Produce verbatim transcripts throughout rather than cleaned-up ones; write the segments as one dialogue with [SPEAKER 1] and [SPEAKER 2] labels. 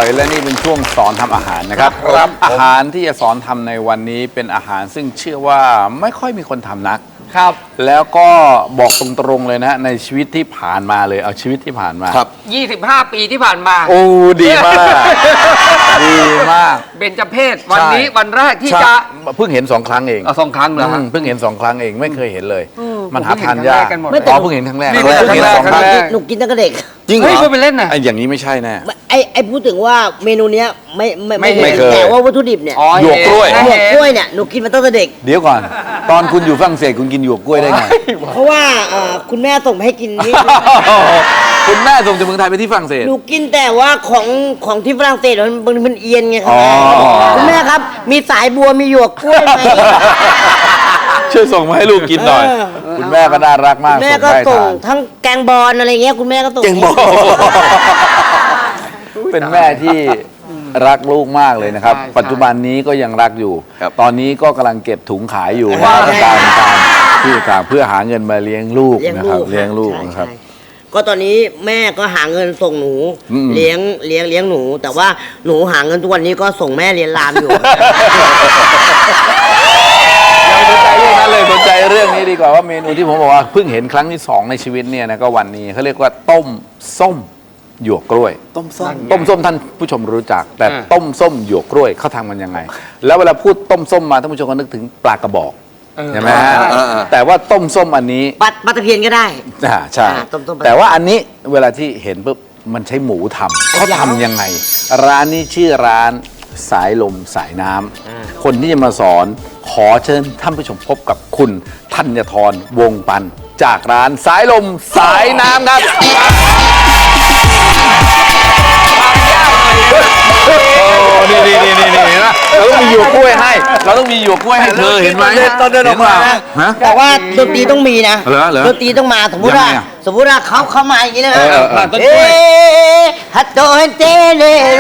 [SPEAKER 1] และนี่เป็นช่วงสอนทำอาหารนะครับอาหารที่จะสอนทำในวันนี้เป็นอาหารซึ่งเชื่อว่าไม่ค่อยมีคนทำนักครับแล้วก็บอกตรงๆเลยนะในชีวิตที่ผ่านมาเลยเอาชีวิตที่ผ่านมา
[SPEAKER 2] ครับยี่สิบห้าปีที่ผ่านมา
[SPEAKER 1] โอ้ดีมากดีมาก
[SPEAKER 2] เบญจเพศวันนี้วันแรกที่จะ
[SPEAKER 1] เพิ่งเห็นสองครั้งเอง
[SPEAKER 2] สองครั้งเหรอ
[SPEAKER 1] เพิ่งเห็นสองครั้งเองไม่เคยเห็นเลยมันหาทานยาก
[SPEAKER 3] ไม่
[SPEAKER 1] อ๋อเพิ่งเห็นครั้งแรก
[SPEAKER 2] เพิ่งเห็นสองครั้ง
[SPEAKER 3] หนูกินตั้งแต่เด็ก
[SPEAKER 1] จริงเหรอ
[SPEAKER 2] เฮ้ยไปเล่นน่ะ
[SPEAKER 1] ไอ้อย่างนี้ไม่ใช่แน่
[SPEAKER 3] ไอ้ไอ้พูดถึงว่าเมนูเนี้ยไม่ไม่
[SPEAKER 1] ไม่เคย
[SPEAKER 3] แต่ว่าวัตถุดิบเนี่ย
[SPEAKER 1] หยวกกล้วย
[SPEAKER 3] หยวกกล้วยเนี่ยหนูกินมาตั้งแต่เด็ก
[SPEAKER 1] เดี๋ยวก่อนตอนคุณอยู่ฝรั่งเศสคุณกินหยวกกล้วยได้ไง
[SPEAKER 3] เพราะว่าคุณแม่ส่งมาให้กินนี่
[SPEAKER 1] คุณแม่ส่งจากเมืองไทยไปที่ฝรั่งเศส
[SPEAKER 3] หนูกินแต่ว่าของของที่ฝรั่งเศสมันมันเอียนไงครับคุณแม่ครับมีสายบัวมีหยวกกล้วยไหม
[SPEAKER 1] ช่วยส่งมาให้ลูกกินหน่อยคุณแม่ก็น่ารักมาก
[SPEAKER 3] แม่ก็ส่งทั้งแกงบอลอะไรเงี้ยคุณแม่ก็ส่งแกงบอล
[SPEAKER 1] เป็นแม่ที่รักลูกมากเลยนะครับปัจจุบันนี้ก็ยังรักอยู่ตอนนี้ก็กำลังเก็บถุงขายอยู่การการที่ต่างเพื่อหาเงินมาเลี้ยงลูกนะครับเลี้ยงลูกนะครับ
[SPEAKER 3] ก็ตอนนี้แม่ก็หาเงินส่งหนูเลี้ยงเลี้ยงเลี้ยงหนูแต่ว่าหนูหาเงินทุกวันนี้ก็ส่งแม่เรียนรามอยู่
[SPEAKER 1] สนใจเรื่องนั้นเลยสนใจเรื่องนี้ดีกว่าว่าเมนูที่ผมบอกว่าเพิ่งเห็นครั้งที่สองในชีวิตเนี่ยนะก็วันนี้เขาเรียกว่าต้มส้มหยวกกล้วย
[SPEAKER 2] ต้มส้ม
[SPEAKER 1] ต้มส้มท่านผู้ชมรู้จักแต่ต้มส้มหยวกกล้วยเขาทำกันยังไงแล้วเวลาพูดต้มส้มมาท่านผู้ชมก็นึกถึงปลากระบอกใช่ไหมฮะแต่ว่าต้มส้มอันนี้
[SPEAKER 3] ปลาปลาตะเพียนก็ได้
[SPEAKER 1] อ่าใช่แต่ว่าอันนี้เวลาที่เห็นปุ๊บมันใช้หมูทำเขาทำยังไงร้านนี้ชื่อร้านสายลมสายน้ำคนที่จะมาสอนขอเชิญท่านผู้ชมพบกับคุณธัญธรวงปันจากร้านสายลมสายน้ำครับนี่นี่นี่นี่นี่นะเราต้องมีหยวกกล้วยให้เราต้องมีหยวกกล้วยให้เธอเห็นไหม
[SPEAKER 3] ตอนเดินออกมาแต่ว่าดนตรีต้องมีนะดนตรีต้องมาสมมติว่าสมมติว่าเขาเข้ามาอย่างนี้นะเอ๊ะฮัตโตเจเลโร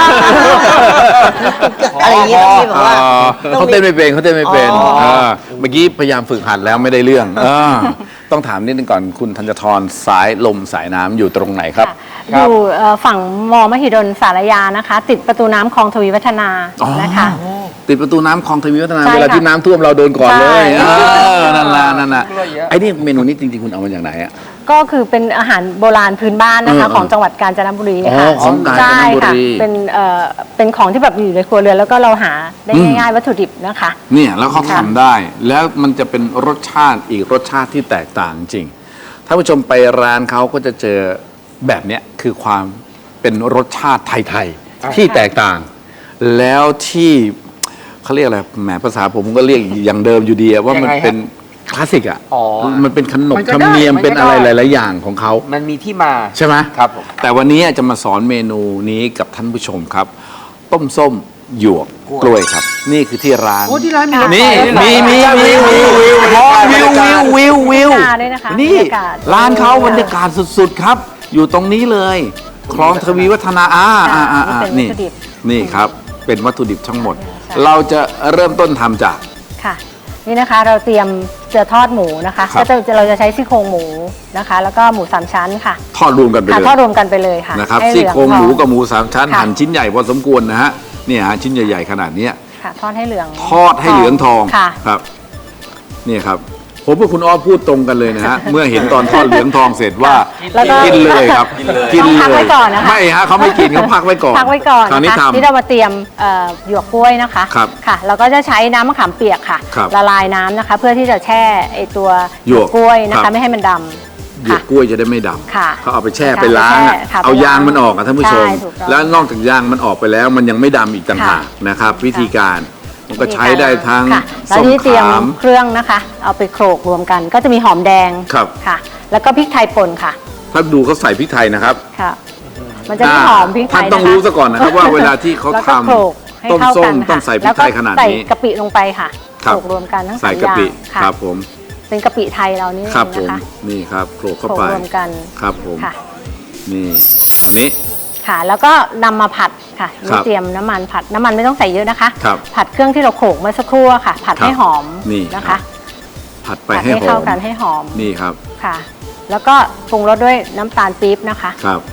[SPEAKER 3] อะไรอย่างเงี้ยที่บอกว่า
[SPEAKER 1] เขาเต้นไม่เป็นเขาเต้นไม่เป็นเมื่อกี้พยายามฝึกหัดแล้วไม่ได้เรื่องต้องถามนิดนึงก่อนคุณธัญธรสายลมสายน้ำอยู่ตรงไหนครับ
[SPEAKER 4] อยู่ฝั่งมอมหิดลสารยานะคะติดประตูน้ำคลองทวีวัฒนานะคะ
[SPEAKER 1] ติดประตูน้ำคลองทวีวัฒนาเวลาที่น้ำท่วมเราโดนก่อนเลยนั่นละนั่นละไอ้นี่เมนูนี้จริงๆคุณเอามาจากไหนอ่ะ
[SPEAKER 4] ก็คือเป็นอาหารโบราณพื้นบ้านนะคะของจังหวัดกาญจนบุรีค่ะ
[SPEAKER 1] ของกาญจนบุรี
[SPEAKER 4] เป็นเอ่อเป็นของที่แบบอยู่ในครัวเรือนแล้วก็เราหาได้ง่ายๆวัตถุดิบนะคะ
[SPEAKER 1] เนี่ยแล้วเขาทำได้แล้วมันจะเป็นรสชาติอีกรสชาติที่แตกต่างจริงถ้าผู้ชมไปร้านเขาก็จะเจอแบบเนี้ยคือความเป็นรสชาติไทยๆที่แตกต่างแล้วที่เขาเรียกอะไรแหมภาษาผมก็เรียกอย่างเดิมอยู่ดีว่ามันเป็นคลาสสิกอ่ะมันเป็นขนบธรรมเนียมเป็นอะไรหลายๆอย่างของเขา
[SPEAKER 2] มันมีที่มา
[SPEAKER 1] ใช่ไหม
[SPEAKER 2] ครับ
[SPEAKER 1] แต่วันนี้จะมาสอนเมนูนี้กับท่านผู้ชมครับต้มส้มหยวกกล้วยครับนี่คือที่ร้าน
[SPEAKER 2] โอ้ที่ร้าน
[SPEAKER 1] มีนี่มีมีมีวิววิววิววิววิววิวนี่ร้านเขาบรรยากาศสุดๆครับอยู่ตรงนี้เลยคลองทวีวัฒนาอ่าอ่าอ่านี่นี่ครับเป็นวัตถุดิบทั้งหมดเราจะเริ่มต้นทำจาก
[SPEAKER 4] ค่ะนี่นะคะเราเตรียมจะทอดหมูนะคะก็จะเราจะใช้ซี่โครงหมูนะคะแล้วก็หมูสามชั้นค่ะ
[SPEAKER 1] ทอดรวมกันไปเลย
[SPEAKER 4] ทอดรวมกันไปเลยค่ะ
[SPEAKER 1] นะครับซี่โครงหมูกับหมูสามชั้นหั่นชิ้นใหญ่พอสมควรนะฮะเนี่ยฮะชิ้นใหญ่ๆขนาดนี้
[SPEAKER 4] ค่ะทอดให้เหลือง
[SPEAKER 1] ทอดให้เหลืองทองครับนี่ครับผมกับคุณอ้อพูดตรงกันเลยนะฮะเมื่อเห็นตอนทอดเหลืองทองเสร็จว่ากินเลยครับ
[SPEAKER 4] กินเลย
[SPEAKER 1] ไม่ฮะเขาไม่กินเขาพักไว้ก่อน
[SPEAKER 4] พักไว้ก่อน
[SPEAKER 1] คราวนี้ทำ
[SPEAKER 4] ที่เรามาเตรียมหยวกกล้วยนะคะค่ะเราก็จะใช้น้ำมะขามเปียกค่ะละลายน้ำนะคะเพื่อที่จะแช่ไอตัวหยวกกล้วยนะคะไม่ให้มันดำ
[SPEAKER 1] หยวกกล้วยจะได้ไม่ดำเขาเอาไปแช่ไปล้างเอายางมันออกท่านผู้ชมแล้วนอกจากยางมันออกไปแล้วมันยังไม่ดำอีกต่างหากนะครับวิธีการมันก็ใช้ได้ทั้ง
[SPEAKER 4] ส้มขามเครื่องนะคะเอาไปโขลกรวมกันก็จะมีหอมแดง
[SPEAKER 1] ครับ
[SPEAKER 4] ค่ะแล้วก็พริกไทยป่นค่ะ
[SPEAKER 1] ถ้าดูเขาใส่พริกไทยนะครับ
[SPEAKER 4] ค่ะมันจะมีหอมพริกไทย
[SPEAKER 1] ท่านต้องรู้ซะก่อนนะครับว่าเวลาที่เขาทำต้มส้มต้องใส่พริกไทยขนาดนี้
[SPEAKER 4] ใส่กะปิลงไปค่ะโขลกรวมกันทั้งสามอย่าง
[SPEAKER 1] ใส่กะปิครับผม
[SPEAKER 4] เป็นกะปิไทยเรานี่
[SPEAKER 1] ครับผมนี่ครับโขลกเข้าไป
[SPEAKER 4] รวมกัน
[SPEAKER 1] ครับผมนี่ตอนนี้
[SPEAKER 4] ค่ะแล้วก็นำมาผัดค่ะเตรียมน้ำมันผัดน้ำมันไม่ต้องใส่เยอะนะคะผัดเครื่องที่เราโขลกเมื่อสักครู่ค่ะผัดให้หอมนะคะ
[SPEAKER 1] ผัดไปให้หอม
[SPEAKER 4] เข้ากันให้หอม
[SPEAKER 1] นี่ครับ
[SPEAKER 4] ค่ะแล้วก็ปรุงรสด้วยน้ำตาลปี๊บนะคะ
[SPEAKER 1] ครับ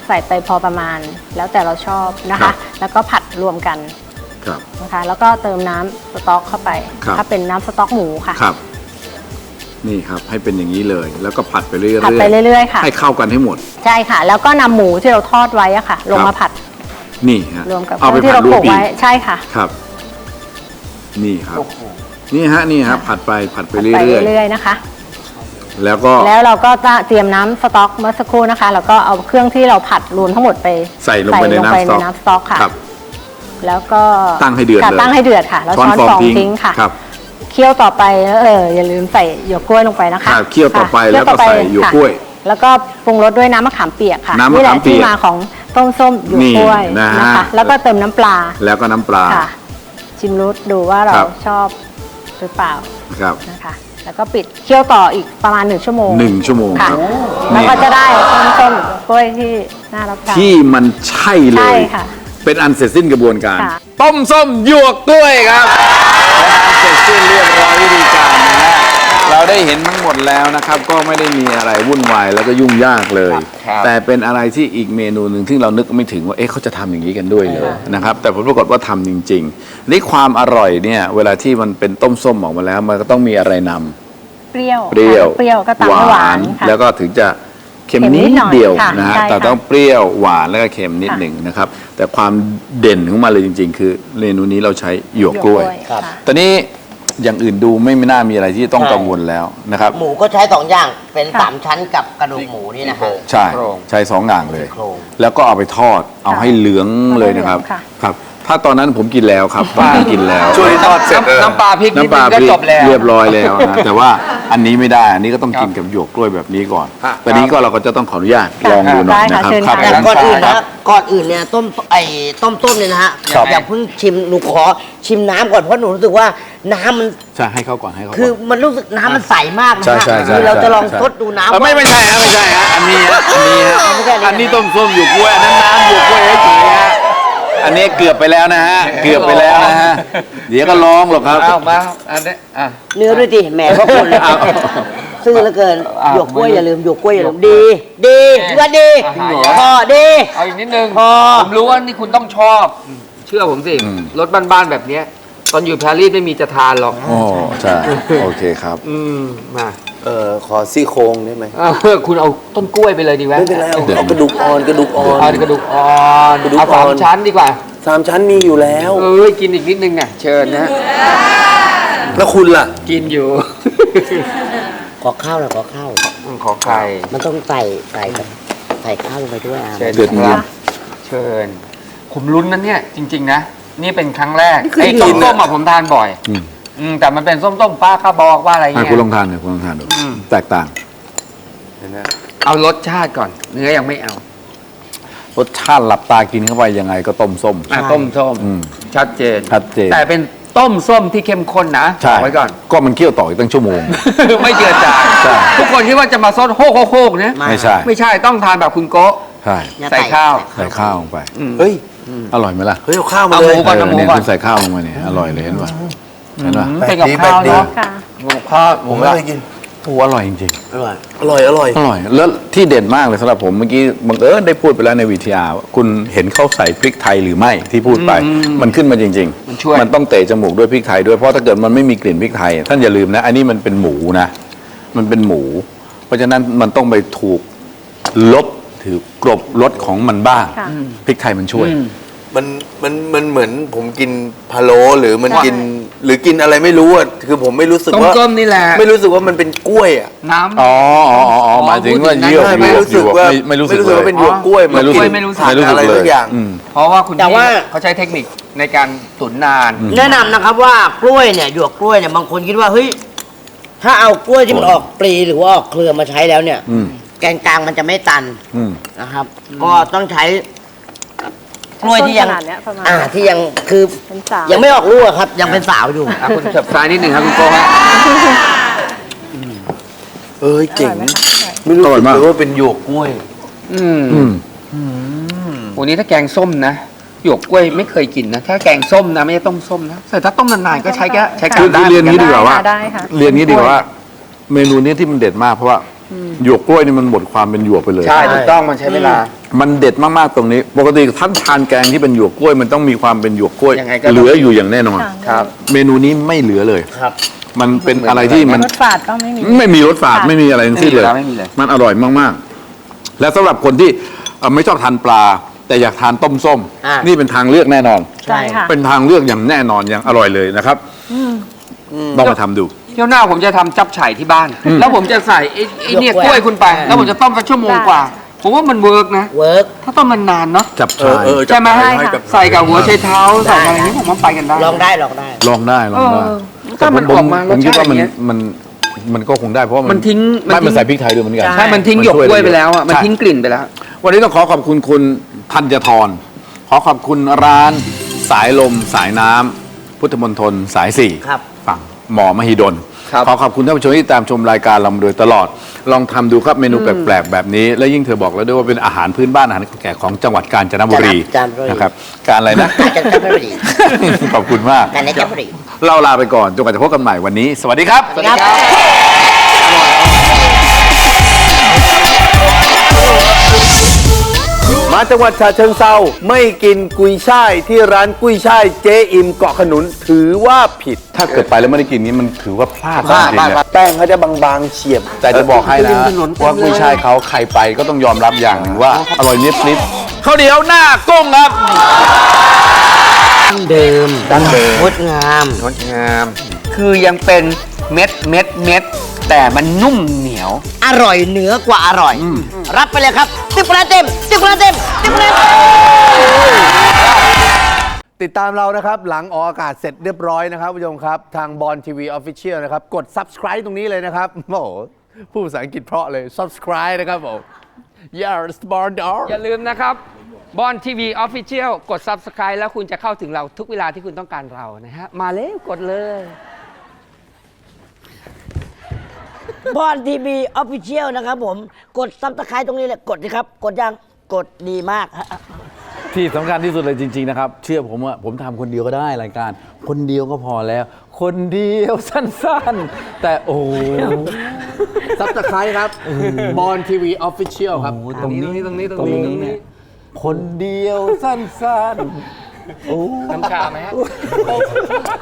[SPEAKER 4] ใส่ไปพอประมาณ แล้วแต่เราชอบนะ
[SPEAKER 1] ครั
[SPEAKER 4] คะ
[SPEAKER 1] บ
[SPEAKER 4] แล้วก็ผัดรวมกัน
[SPEAKER 1] ครับ
[SPEAKER 4] นะคะ แล้วก็เติมน้ำสต๊อกเข้าไป
[SPEAKER 1] ครับ
[SPEAKER 4] ถ้าเป็นน้ำสต๊อกหมูค่ะ
[SPEAKER 1] ครับ นี่ครับให้เป็นอย่างนี้เลย แล้วก็ผัดไปเรื่อยๆ
[SPEAKER 4] ผัดไปเรื่อยๆค่ะ
[SPEAKER 1] ให้เข้ากันให้หมด
[SPEAKER 4] ใช่ค่ะ แล้วก็นำหมูที่เราทอดไว้อะค่ะ ลง
[SPEAKER 1] ครั
[SPEAKER 4] มา
[SPEAKER 1] บ
[SPEAKER 4] ผัด
[SPEAKER 1] นี่ฮะ
[SPEAKER 4] รวมกับ
[SPEAKER 1] เอาไป
[SPEAKER 4] ที่
[SPEAKER 1] ผัด
[SPEAKER 4] เรา
[SPEAKER 1] ร
[SPEAKER 4] โข
[SPEAKER 1] ว
[SPEAKER 4] ล
[SPEAKER 1] ม
[SPEAKER 4] ก
[SPEAKER 1] อี
[SPEAKER 4] ไว้
[SPEAKER 1] ก
[SPEAKER 4] ใช่ค่ะ
[SPEAKER 1] ครับ นี่ครับ นี่ฮะนี่ฮะผัดไปผัดไป
[SPEAKER 4] ผัด
[SPEAKER 1] เรื่
[SPEAKER 4] ไป
[SPEAKER 1] อย
[SPEAKER 4] เรื่อยๆนะคะ
[SPEAKER 1] ๆแล้วก็
[SPEAKER 4] แล้วเราก็จะเตรียมน้ำสต๊อกเมื่อสักครู่นะคะ แล้วก็เอาเครื่องที่เราผัดรวมทั้งหมดไป
[SPEAKER 1] ใส่ลงไปในน้ำสต๊อก
[SPEAKER 4] น้ำสต๊อกค่ะ
[SPEAKER 1] ครับ
[SPEAKER 4] แล้วก็
[SPEAKER 1] ตั้งให้เดือด
[SPEAKER 4] ค่ะ
[SPEAKER 1] เลย
[SPEAKER 4] ตั้งให้เดือดค่ะ แล้วช้อนฟองทิ้งค่ะ
[SPEAKER 1] ครับ
[SPEAKER 4] เคี่ยวต่อไปเอออย่าลืมใส่หยวกกล้วยลงไปนะคะ
[SPEAKER 1] ครับเคี่ยวต่อไป
[SPEAKER 4] ค่ะ
[SPEAKER 1] แล้วก็ใส่หยวกกล้วย
[SPEAKER 4] ค่ะแล้วก็ปรุงรสด้วยน้ำมะขามเปียกค่ะ
[SPEAKER 1] น้ำมะขามเปียก
[SPEAKER 4] นี่แหละที่มาของต้มส้มหยวกกล้วย
[SPEAKER 1] นี่นะฮะ
[SPEAKER 4] นะคะ แล้วก็เติมน้ำปลา
[SPEAKER 1] แล้วก็น้ำปลา
[SPEAKER 4] ค่ะ ชิมรสดูว่าเรา
[SPEAKER 1] ครับ
[SPEAKER 4] ชอบหรือเปล่า
[SPEAKER 1] ครับ
[SPEAKER 4] นะคะ แล้วก็ปิดเคี่ยวต่ออีกประมาณหนึ่งชั่วโมง
[SPEAKER 1] หนึ่งชั่วโมง
[SPEAKER 4] ค่ะ
[SPEAKER 1] ครับ
[SPEAKER 4] แล้ว
[SPEAKER 1] นี่
[SPEAKER 4] ก็จะได้ต้มส้มกล้วยที่น่ารับประทาน
[SPEAKER 1] ที่มันใช่เล
[SPEAKER 4] ใช่
[SPEAKER 1] ย
[SPEAKER 4] ค่ะ
[SPEAKER 1] เป็นอันเสร็จสิ้นกระบวนการ
[SPEAKER 4] ค่ะ
[SPEAKER 1] ต้มส้มหยวกกล้วยครับเสร็จสิ้นเรียบร้อยวิธีการนะฮะเราได้เห็นทั้งหมดแล้วนะครับ ก็ไม่ได้มีอะไรวุ่นวายแล้วก็ยุ่งยากเลย
[SPEAKER 2] ครับ
[SPEAKER 1] แต่เป็นอะไรที่อีกเมนูหนึ่งที่เรานึกไม่ถึงว่าเอ๊ะเขาจะทำอย่างนี้กันด้วยเลยนะครับ แต่ผลปรากฏว่าทำจริงๆนี่ความอร่อยเนี่ยเวลาที่มันเป็นต้มส้มออกมาแล้ว มันก็ต้องมีอะไรนำ
[SPEAKER 4] เปรี้ยว
[SPEAKER 1] เปรี้ยว
[SPEAKER 4] เปรี้ยวก็ตามด้วยหวานค่ะ
[SPEAKER 1] แล้วก็ถึงจะเค็ม
[SPEAKER 4] เค็มนิ
[SPEAKER 1] นิ
[SPEAKER 4] ด
[SPEAKER 1] ด
[SPEAKER 4] หน่อย
[SPEAKER 1] เดียว
[SPEAKER 4] ค่ะ
[SPEAKER 1] นะฮะ
[SPEAKER 4] ใช่ค่ะ
[SPEAKER 1] แต่ต้องเปรี้ยวหวานแล้วก็เค็มนิด
[SPEAKER 4] ค่ะ
[SPEAKER 1] หนึ่งนะครับ แต่ความเด่นของมันเลยจริง ๆ คือเมนูนี้เราใช้หยวกกล้วย
[SPEAKER 3] ครับ
[SPEAKER 4] ค่ะ
[SPEAKER 1] ตอนนี้อย่างอื่นดูไม่ไม่น่ามีอะไรที่ต้อง
[SPEAKER 3] ใช่
[SPEAKER 1] กังวลแล้วนะครับ
[SPEAKER 3] หมูก็ใช้สองอย่างเป็น
[SPEAKER 4] ค่ะ
[SPEAKER 3] สามชั้นกับกระดูกหมูนี่นะฮะ
[SPEAKER 1] ใช่
[SPEAKER 2] โครง
[SPEAKER 1] ใช้สองอย่างเลย
[SPEAKER 3] โครง
[SPEAKER 1] แล้วก็เอาไปทอดเอาให้เหลืองเลยนะครับ
[SPEAKER 4] ค่ะ
[SPEAKER 1] ครับ ถ้าตอนนั้นผมกินแล้วครับตอนนั้นกินแล้ว
[SPEAKER 2] ช่วยทอดเสร็จน้ำปลาพริกนิด
[SPEAKER 1] น้ำป
[SPEAKER 2] นึ
[SPEAKER 1] ลาง
[SPEAKER 2] ก็
[SPEAKER 1] พริก
[SPEAKER 2] จบแล้ว
[SPEAKER 1] เรียบร้อยแล้วนะ แต่ว่าอันนี้ไม่ได้ อันนี้ก็ต้อง
[SPEAKER 2] ครับ
[SPEAKER 1] กินกับหยวกกล้วยแบบนี้ก่อน
[SPEAKER 2] ครับ
[SPEAKER 1] ตอนนี้ก็เราก็จะต้องขออนุญาต
[SPEAKER 4] ค่ะ
[SPEAKER 1] ลองดูหน่อย
[SPEAKER 4] ได้
[SPEAKER 1] นะ
[SPEAKER 4] ค่ะ
[SPEAKER 1] ครับ
[SPEAKER 4] เชิญ
[SPEAKER 1] ครับ
[SPEAKER 4] ค่ะ
[SPEAKER 3] แต่ก่อนอื่น
[SPEAKER 2] ครั
[SPEAKER 3] นะ
[SPEAKER 2] บ
[SPEAKER 3] ก่อนอื่นเนี่ยต้มไอ้ต้มต้มเนี่ยนะฮะ
[SPEAKER 2] ครับ
[SPEAKER 3] อย่าเพิ่งชิมหนูขอชิมน้ำก่อนเพราะหนูรู้สึกว่าน้ำมัน
[SPEAKER 1] ใช่ให้เขาก่อนให้เขาก่อน
[SPEAKER 3] คือมันรู้สึกน้ำมันใสมากนะ
[SPEAKER 1] ใช่
[SPEAKER 3] ฮะ
[SPEAKER 1] ใช่ใช่
[SPEAKER 3] คือเราจะลอง
[SPEAKER 1] ใช่
[SPEAKER 3] ทดดูน้ำ
[SPEAKER 1] เออไม่
[SPEAKER 3] ว่า
[SPEAKER 1] ไม่ใช่ฮะไม่ใช่ฮะอันนี้ฮะอันนี้ฮะ
[SPEAKER 3] ไม่ใช่อันนี้
[SPEAKER 1] อันนี้ต้มส้มหยวกกล้วยอันนั้นน้ำหยวกกล้วยเฉยๆฮะอันนี้เกือบไปแล้วนะฮะเกือบไปแล้วนะฮะเดี๋ยวก็ร้องหรอกครับ
[SPEAKER 2] เอามาอันนี้อ่ะ
[SPEAKER 3] เนื้อด้วยดิแหมพวกคนเลย
[SPEAKER 1] เอา
[SPEAKER 3] ซื่อเหลือเกิน
[SPEAKER 2] อ้าว
[SPEAKER 3] หยวกกล้วยอย่าลืมหยวกกล้วยอย่าลืมดีดีพี่ว่าดี
[SPEAKER 2] จริงเหรอ
[SPEAKER 3] พอดี
[SPEAKER 2] เอาอีกนิดนึง
[SPEAKER 3] พอ
[SPEAKER 2] ผมรู้ว่านี่คุณต้องชอบ เชื่อผมสิ
[SPEAKER 1] อืม
[SPEAKER 2] รถบ้านๆแบบเนี้ยตอนอยู่ปารีสไม่มีจะทานหรอก
[SPEAKER 1] โอ้ใช่โอเคครับ
[SPEAKER 2] อืมมา
[SPEAKER 5] เออขอซี่โครงได้ไหม
[SPEAKER 2] เออคุณเอาต้นกล้วยไปเลยดีไหม
[SPEAKER 5] ไม่เป็นไรเอาเอากระดูกอ่อนกระดูกอ่อน
[SPEAKER 2] เอากระดูกอ่อน
[SPEAKER 5] กระดูก
[SPEAKER 2] เอาสาม
[SPEAKER 5] อ่อน
[SPEAKER 2] ชั้นดีกว่า
[SPEAKER 5] สามชั้นมีอยู่แล้ว
[SPEAKER 2] เอ้ยกินอีกนิดนึงน่ะเชิญนะ
[SPEAKER 5] แล้วคุณล่ะ
[SPEAKER 2] กินอยู่
[SPEAKER 3] ขอข้าวหน่อยขอข้าว
[SPEAKER 2] ขอไข่
[SPEAKER 3] มันต้องใส่ใส่แบบใส่ข้าวลงไปด้วยอ่ะ
[SPEAKER 2] เชิญ
[SPEAKER 1] เดือด
[SPEAKER 2] ค
[SPEAKER 1] เงิ
[SPEAKER 2] รั
[SPEAKER 1] น
[SPEAKER 2] บเชิญผมลุ้นนะเนี่ยจริง ๆ นะ นี่เป็นครั้งแรก
[SPEAKER 5] นี่คือ
[SPEAKER 2] ไอ้
[SPEAKER 5] กิ
[SPEAKER 2] ต้
[SPEAKER 5] น
[SPEAKER 2] ม
[SPEAKER 5] อะ
[SPEAKER 2] ต้มๆอะผมทานบ่อย
[SPEAKER 1] อืม
[SPEAKER 2] อืมแต่มันเป็นส้มต้มป้าข้าบอกว่าอะไร
[SPEAKER 1] ให้
[SPEAKER 2] เงี้ย
[SPEAKER 1] คุณลองทานหน่อยคุณลองทานดู
[SPEAKER 2] อืม
[SPEAKER 1] แตกต่าง
[SPEAKER 5] เห็นไหม
[SPEAKER 2] เอารสชาติก่อน เนื้อยังไม่เอา
[SPEAKER 1] รสชาติหลับตากินเข้าไปยังไงก็ต้มส้ม
[SPEAKER 2] อ่ะต้มส้ม
[SPEAKER 1] อืม
[SPEAKER 2] ชัดเจน
[SPEAKER 1] ชัดเจน
[SPEAKER 2] แต่เป็นต้มส้มที่เข้มข้นนะ
[SPEAKER 1] ใช่
[SPEAKER 2] บอกไว้ก่อน
[SPEAKER 1] ก็มันเคี่ยวต่ออีกตั้งชั่วโมง
[SPEAKER 2] ไม่เจือจาง
[SPEAKER 1] ใช่
[SPEAKER 2] ทุกคนคิดว่าจะมาซดโฮกโฮกๆเนี่ย
[SPEAKER 1] ไม่ใช่
[SPEAKER 2] ไม่ใช่ต้องทานแบบคุณโกะ
[SPEAKER 1] ใช่
[SPEAKER 3] อย่
[SPEAKER 2] ใส่ข้าว
[SPEAKER 1] ใส่ข้าวลงไป
[SPEAKER 5] เฮ้ย
[SPEAKER 1] อร่อยไหมล่ะ
[SPEAKER 5] เฮ้ยเอาข้าวมา
[SPEAKER 2] เอา
[SPEAKER 5] เล
[SPEAKER 2] ห
[SPEAKER 5] ย
[SPEAKER 2] มูก่อน
[SPEAKER 1] เอ
[SPEAKER 2] เอา
[SPEAKER 1] อ
[SPEAKER 2] หมู
[SPEAKER 1] เนี่ย
[SPEAKER 2] ก่อน
[SPEAKER 1] คุณใส่ข้าวลงมาเนี่ยอร่อยเลยเห็นป่ะเห็นป่ะ
[SPEAKER 2] อืมเป็นกับข้าว
[SPEAKER 5] แปลกดี
[SPEAKER 2] เนาะ
[SPEAKER 4] ค่ะ
[SPEAKER 2] หมูข้าว
[SPEAKER 5] ผมไม่เคยกิน
[SPEAKER 1] โอ้อร่อยจริง
[SPEAKER 3] อร่อย
[SPEAKER 5] อร่อยอร่อย
[SPEAKER 1] ๆอร่อยแล้วที่เด่นมากเลยสำหรับผมเมื่อกี้บังเอิญได้พูดไปแล้วในวีทีอาร์คุณเห็นเขาใส่พริกไทยหรือไม่ที่พูดไป มันขึ้นมาจริง
[SPEAKER 2] มันช่วย
[SPEAKER 1] มันต้องเตะจมูกด้วยพริกไทยด้วยเพราะถ้าเกิดมันไม่มีกลิ่นพริกไทย ท่านอย่าลืมนะ อันนี้มันเป็นหมูนะ มันเป็นหมู เพราะฉะนั้นมันต้องไปถูกลบถือกลบรสของมันบ้าง
[SPEAKER 4] ค่ะ
[SPEAKER 1] พริกไทยมันช่วย
[SPEAKER 2] อืม
[SPEAKER 5] มันมันมันเหมือนผมกินพะโล้หรือมัน
[SPEAKER 2] ใช่
[SPEAKER 5] กิน หรือกินอะไรไม่รู้อ่ะคือผมไม่รู้สึก
[SPEAKER 2] ต้ม
[SPEAKER 5] ว่า
[SPEAKER 2] ส้มนี่แหละ
[SPEAKER 5] ไม่รู้สึกว่ามันเป็นกล้วยอ่ะ
[SPEAKER 2] น้ำ
[SPEAKER 1] อ๋ออ๋ออ๋ออ๋อหมายถึงว่าเยื่อ
[SPEAKER 5] ใช่
[SPEAKER 1] ห
[SPEAKER 5] ไม่
[SPEAKER 1] ยวก
[SPEAKER 5] รู้สึกว่า
[SPEAKER 1] ไม่ไม่รู้สึกเลย
[SPEAKER 5] ว่าเป็นหยวกกล้วย
[SPEAKER 1] ไม่รู้สึก
[SPEAKER 5] น
[SPEAKER 2] ไม่รู้สึก
[SPEAKER 5] ผ่านอะไร
[SPEAKER 1] เล
[SPEAKER 5] สักอย่าง
[SPEAKER 1] อืม
[SPEAKER 2] เพราะว่าคุณ
[SPEAKER 3] แต่ว่า
[SPEAKER 2] พี่เขาใช้เทคนิคในการตุ๋นนาน
[SPEAKER 3] แนะนำนะครับว่ากล้วยเนี่ยหยวกกล้วยเนี่ยบางคนคิดว่าเฮ้ยถ้าเอากล้วยที่มันออกปลีหรือว่าออกเครือมาใช้แล้วเนี่ย
[SPEAKER 1] อืม
[SPEAKER 3] แกนกลางมันจะไม่ตัน
[SPEAKER 1] อืม
[SPEAKER 3] นะครับ ก็ต้องใช้กล้วยที่ยัง
[SPEAKER 4] ต้นขนาดเนี้ยประมาณ
[SPEAKER 3] อ่าที่ยังคือ
[SPEAKER 4] เป็นสาว
[SPEAKER 3] ยังไม่ออกลูกอะครับ ยังเป็นสาวอยู่
[SPEAKER 2] อ่ะคุณเฉิบซ้ายนิดหนึ่งครับคุณโกฮะ
[SPEAKER 5] เอ้ยเจ๋ง
[SPEAKER 4] อร่อยไหมคะอร่อย
[SPEAKER 5] ไม่รู้
[SPEAKER 1] อร่อย
[SPEAKER 5] สึก
[SPEAKER 1] มาก
[SPEAKER 5] เลยว่าเป็นหยวกกล้วย
[SPEAKER 2] อืม
[SPEAKER 1] อืม
[SPEAKER 2] วันนี้ถ้าแกงส้มนะหยวกกล้วยไม่เคยกินนะ ถ้าแกงส้มนะไม่ใช่ต้มส้มนะแต่ถ้าต้มนานๆก็ใช้แค่ใช้
[SPEAKER 1] คื
[SPEAKER 2] กา
[SPEAKER 1] อ
[SPEAKER 2] รได้
[SPEAKER 1] คือเรียนงี้ดีกว่าว่า
[SPEAKER 4] ได้ค่ะ
[SPEAKER 1] เรียนงี้ดีกว่าว่า เมนูนี้ที่มันเด็ดมากเพราะว่าหยวกกล้วยนี่มันหมดความเป็นหยวกไปเลย
[SPEAKER 2] ใช่ถูกต้องมันใช้เวลา
[SPEAKER 1] มันเด็ดมากๆตรงนี้ ปกติท่านทานแกงที่เป็นหยวกกล้วยมันต้องมีความเป็นหยวกกล้วย
[SPEAKER 2] ยังไงก็
[SPEAKER 1] เหลืออยู่อย่างแน่นอน
[SPEAKER 2] ครับ
[SPEAKER 1] เมนูนี้ไม่เหลือเลย
[SPEAKER 3] ครับ
[SPEAKER 1] มันเป็นอะไรที่มัน
[SPEAKER 4] รสฝาดก็ไม่มี
[SPEAKER 1] ไม่มีรสฝาด
[SPEAKER 4] ค่ะ
[SPEAKER 1] ไม่มีอะไรทั้งสิ้นเลย
[SPEAKER 2] ไม่มีเลย
[SPEAKER 1] มันอร่อยมากๆ และสำหรับคนที่เอ่อไม่ชอบทานปลา แต่อยากทานต้มส้ม
[SPEAKER 3] อ่านี่
[SPEAKER 1] นี่เป็นทางเลือกแน่นอน
[SPEAKER 4] ใช่ค่ะ
[SPEAKER 1] เป็นทางเลือกอย่างแน่นอนอย่างอร่อยเลยนะครับลองมาทำดู
[SPEAKER 2] เที่ยวหน้าผมจะทำจับฉ่ายที่บ้าน แล้วผมจะใส่ไอ้ไอ้เนี่ย
[SPEAKER 3] หยวก
[SPEAKER 2] ก
[SPEAKER 3] กล้
[SPEAKER 2] ล้ว
[SPEAKER 3] วย ย
[SPEAKER 2] คุณไป แล้วผมจะต้มสักชั่วโมงกว่า ผมว่ามันเวิร์กนะ
[SPEAKER 3] เวิร์ก
[SPEAKER 2] ถ้าต้มนานๆเนาะ
[SPEAKER 1] จับ
[SPEAKER 5] เอ
[SPEAKER 1] ชา
[SPEAKER 5] อย เออ
[SPEAKER 2] ใช่ไหม
[SPEAKER 5] จะ
[SPEAKER 4] ใช่ค่ะ
[SPEAKER 5] กับ
[SPEAKER 2] ใส่กับหัวไชเท้าใส่อะไรอย่างนี้ผมว่าไปกันได้
[SPEAKER 3] ลองได้ลองได้
[SPEAKER 1] ลองได้ลองได้
[SPEAKER 2] เออ
[SPEAKER 1] แต่
[SPEAKER 2] ถ้ามัน
[SPEAKER 1] ผ
[SPEAKER 2] ออกมา
[SPEAKER 1] ผมคิดว่ามัน
[SPEAKER 2] รสชาติอย่างเงี้ย
[SPEAKER 1] มันมันก็คงได้เพราะว่า
[SPEAKER 2] มันทิ้งมัน
[SPEAKER 1] ไม่
[SPEAKER 2] ทิ้ง
[SPEAKER 1] มันใส่พริกไทยด้วยเหมือนกัน
[SPEAKER 2] ใช่มันทิ้งหยวกกล้วยไปแล้วอ่ะมัน
[SPEAKER 1] ใช่
[SPEAKER 2] ทิ้งกลิ่นไปแล้ว
[SPEAKER 1] วันนี้ต้องขอขอบคุณคุณธัญทรขอขอบคุณร้านสายลมสายน้ำพุทธมณฑลสายสี่
[SPEAKER 3] ครับ
[SPEAKER 1] ฝั่งหมอมหิดล
[SPEAKER 2] ครับ
[SPEAKER 1] ขอขอบคุณท่านผู้ชมที่ตามชมรายการเรามาโดยตลอด ลองทำดูครับเมนูแปลกๆแบบนี้ และยิ่งเธอบอกแล้วด้วยว่าเป็นอาหารพื้นบ้านอาหารแก่ของจังหวัดกาญจนบุรี
[SPEAKER 3] กาญจนบุรี
[SPEAKER 1] นะครับการอะไรนะ
[SPEAKER 3] การจันทบุรี
[SPEAKER 1] ขอบคุณมาก
[SPEAKER 3] การจันทบุรี
[SPEAKER 1] เราลาไปก่อนจนกว่าจะพบกันใหม่วันนี้ สวัสดีครับ
[SPEAKER 3] สวัสดีครับ
[SPEAKER 5] มาจังหวัดฉะเชิงเซาไม่กินกุยช่ายที่ร้านกุยช่ายเจ๊อิมเกาะขนุนถือว่าผิด
[SPEAKER 1] ถ้าเกิดไปแล้วไม่ได้กินนี้มันถือว่าพลาด
[SPEAKER 5] พลาด
[SPEAKER 1] จริงๆนะ
[SPEAKER 5] แป้งเขาจะบางๆเฉียบ
[SPEAKER 1] แต่จะบอกให้นะว่ากุ้ยช่ายเขาใครไปก็ต้องยอมรับอย่างหนึ่งว่าอร่อยนิดนิดข้าวเหนียวหน้ากุ้งครับ
[SPEAKER 3] เดิม
[SPEAKER 1] ดั้งเดิม
[SPEAKER 3] งดงาม
[SPEAKER 2] งดงาม คือยังเป็นเม็ดเม็ดเม็ดแต่มันนุ่มเหนียว
[SPEAKER 3] อร่อยเหนือกว่าอร่อย รับไปเลยครับติ๊บคะแนนเต็มติ๊บคะแนนเต็มติ๊บคะแนนเต็ม
[SPEAKER 5] ติดตามเรานะครับ หลังออกอากาศเสร็จเรียบร้อยนะครับผู้ชมครับ ทางบอลทีวีออฟฟิเชียลนะครับ กด subscribe ตรงนี้เลยนะครับ โอ้โหพูดภาษาอังกฤษเพราะเลย subscribe นะครับผม yes born dog
[SPEAKER 2] อย่าลืมนะครับบอลทีวีออฟฟิเชียลกด Subscribe แล้วคุณจะเข้าถึงเราทุกเวลาที่คุณต้องการเรานะฮะ มาเร็วกดเลย
[SPEAKER 3] บอลทีวีออฟฟิเชียลนะครับผม กดซับสไครต์ตรงนี้เลย กดสิครับ กดยัง กดดีมากฮะ
[SPEAKER 1] ที่สำคัญที่สุดเลยจริง ๆ นะครับ เชื่อผมว่าผมทำคนเดียวก็ได้รายการ คนเดียวก็พอแล้ว คนเดียวสั้นๆ แต่โอ้โห
[SPEAKER 5] subscribe ครับบอลทีวีออฟฟิเชียลครับ
[SPEAKER 1] ตรงนี้
[SPEAKER 2] ตรงนี้ตรงนี้ตรงนี้
[SPEAKER 1] คนเดียวสั้นๆ โอ้
[SPEAKER 2] น้ำชาไหมฮะ